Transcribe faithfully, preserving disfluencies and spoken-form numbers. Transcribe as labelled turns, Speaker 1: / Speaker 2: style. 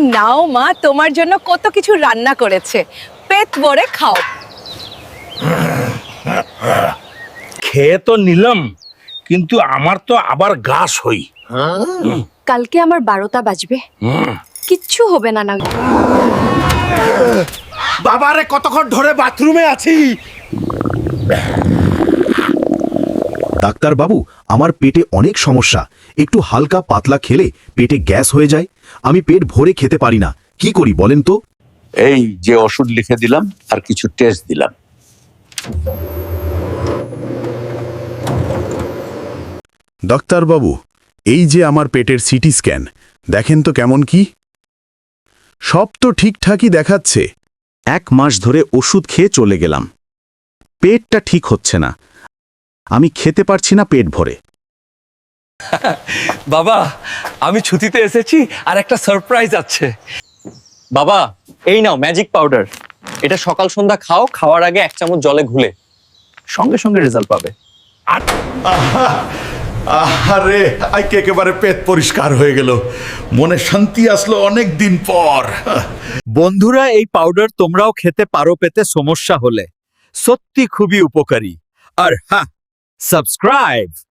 Speaker 1: নাও মা, তোমার জন্য কত কিছু রান্না করেছে, পেট ভরে খাও।
Speaker 2: খেয়ে তো নিলাম, কিন্তু আমার তো আবার গাছ হই।
Speaker 3: কালকে আমার বারোটা বাজবে, কিচ্ছু হবে না না।
Speaker 2: বাবারে কতক্ষণ ধরে বাথরুমে আছি।
Speaker 4: ডাক্তার বাবু, আমার পেটে অনেক সমস্যা, একটু হালকা পাতলা খেলে পেটে গ্যাস হয়ে যায়, আমি পেট ভরে খেতে পারি না, কি করি বলেন তো?
Speaker 5: এই যে ওষুধ লিখে দিলাম আর কিছু টেস্ট দিলাম।
Speaker 6: ডাক্তার বাবু, এই যে আমার পেটের সিটি স্ক্যান, দেখেন তো কেমন কি? সব তো ঠিকঠাকই দেখাচ্ছে।
Speaker 7: এক মাস ধরে ওষুধ খেয়ে চলে গেলাম, পেটটা ঠিক হচ্ছে না, আমি খেতে পারছি না পেট ভরে।
Speaker 8: বাবা, আমি ছুটিতে এসেছি আর একটা সারপ্রাইজ আছে।
Speaker 9: বাবা, এই নাও ম্যাজিক পাউডার, এটা সকাল সন্ধ্যা খাও, খাওয়ার আগে এক চামচ জলে ঘুলে, সঙ্গে সঙ্গে রেজাল্ট পাবে।
Speaker 10: আরে আজকে একেবারে পেট পরিষ্কার হয়ে গেল, মনে শান্তি আসলো অনেক দিন পর।
Speaker 8: বন্ধুরা, এই পাউডার তোমরাও খেতে পারো পেতে সমস্যা হলে, সত্যি খুবই উপকারী। আর হ্যাঁ, সাবস্ক্রাইব।